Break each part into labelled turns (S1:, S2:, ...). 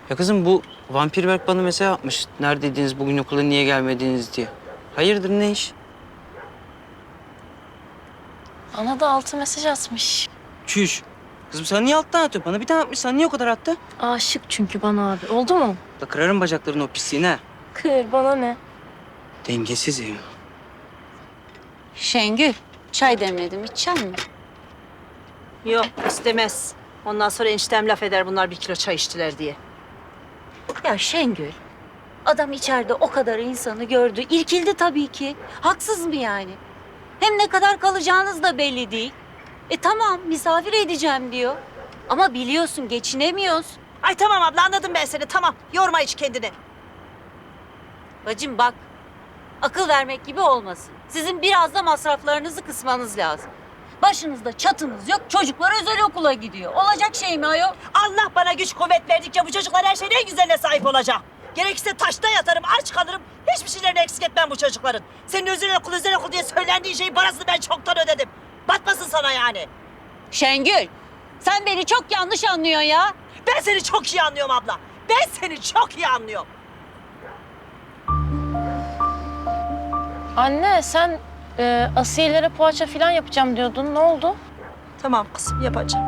S1: Ya kızım bu vampir Berk bana mesaj atmış. Neredeydiniz bugün okula niye gelmediniz diye. Hayırdır ne iş?
S2: Ana da altı mesaj atmış.
S1: Çüş. Kızım sana niye alttan atıyor? Bana bir tane atmış. Sana niye o kadar attı?
S2: Aşık çünkü bana abi. Oldu mu?
S1: Da kırarım bacaklarını o pisliğine. Ha.
S2: Kır bana ne?
S1: Dengesiz ya.
S3: Şengül, çay demledim. İçecek misin?
S4: Yok istemez. Ondan sonra eniştem laf eder bunlar 1 kilo çay içtiler diye.
S3: Ya Şengül, adam içeride o kadar insanı gördü. İrkildi tabii ki. Haksız mı yani? Hem ne kadar kalacağınız da belli değil. Tamam, misafir edeceğim diyor. Ama biliyorsun geçinemiyoruz.
S4: Ay tamam abla anladım ben seni tamam. Yorma hiç kendini.
S3: Bacım bak, akıl vermek gibi olmasın. Sizin biraz da masraflarınızı kısmanız lazım. Başınızda çatınız yok, çocuklar özel okula gidiyor. Olacak şey mi ayol?
S4: Allah bana güç kuvvet verdikçe bu çocuklar her şeyin en güzeline sahip olacak. Gerekirse taşta yatarım, aç kalırım. Hiçbir şeylerini eksik etmem bu çocukların. Senin özel okul diye söylendiğin şeyin parasını ben çoktan ödedim. Batmasın sana yani.
S3: Şengül, sen beni çok yanlış anlıyorsun ya.
S4: Ben seni çok iyi anlıyorum abla. Ben seni çok iyi anlıyorum.
S2: Anne sen Asiye'lere poğaça falan yapacağım diyordun. Ne oldu?
S4: Tamam kızım yapacağım.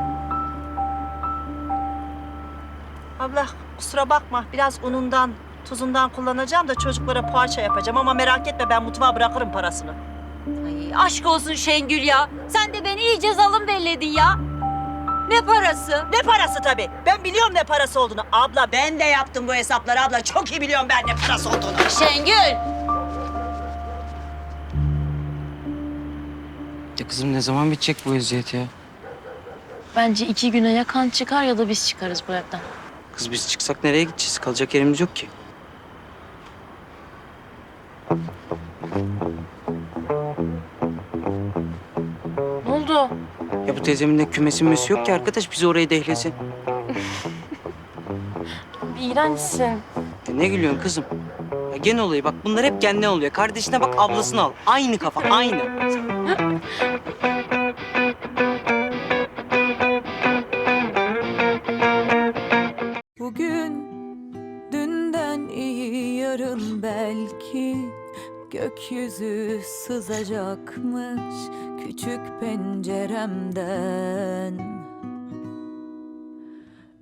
S4: Abla kusura bakma biraz unundan, tuzundan kullanacağım da çocuklara poğaça yapacağım ama merak etme ben mutfağa bırakırım parasını.
S3: Ay, aşk olsun Şengül ya. Sen de beni iyice zalim belledin ya. Ne parası?
S4: Ne parası tabii. Ben biliyorum ne parası olduğunu. Abla ben de yaptım bu hesapları abla. Çok iyi biliyorum ben ne parası olduğunu.
S3: Şengül.
S1: Ya kızım ne zaman bitecek bu eziyet ya?
S2: Bence 2 güne ya kan çıkar ya da biz çıkarız bu evden.
S1: Kız biz çıksak nereye gideceğiz? Kalacak yerimiz yok ki.
S2: Ne oldu?
S1: Ya bu teyzemin de kümesi mümesi yok ki arkadaş. Bizi oraya dehlesin.
S2: İğrençsin.
S1: Ya ne gülüyorsun kızım? Ya gene olayı bak bunlar hep kendine oluyor. Kardeşine bak ablasını al. Aynı kafa aynı.
S5: Bugün dünden iyi yarın belki gökyüzü sızacakmış küçük penceremden.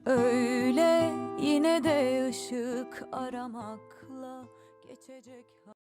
S5: Öyle yine de ışık aramakla geçecek.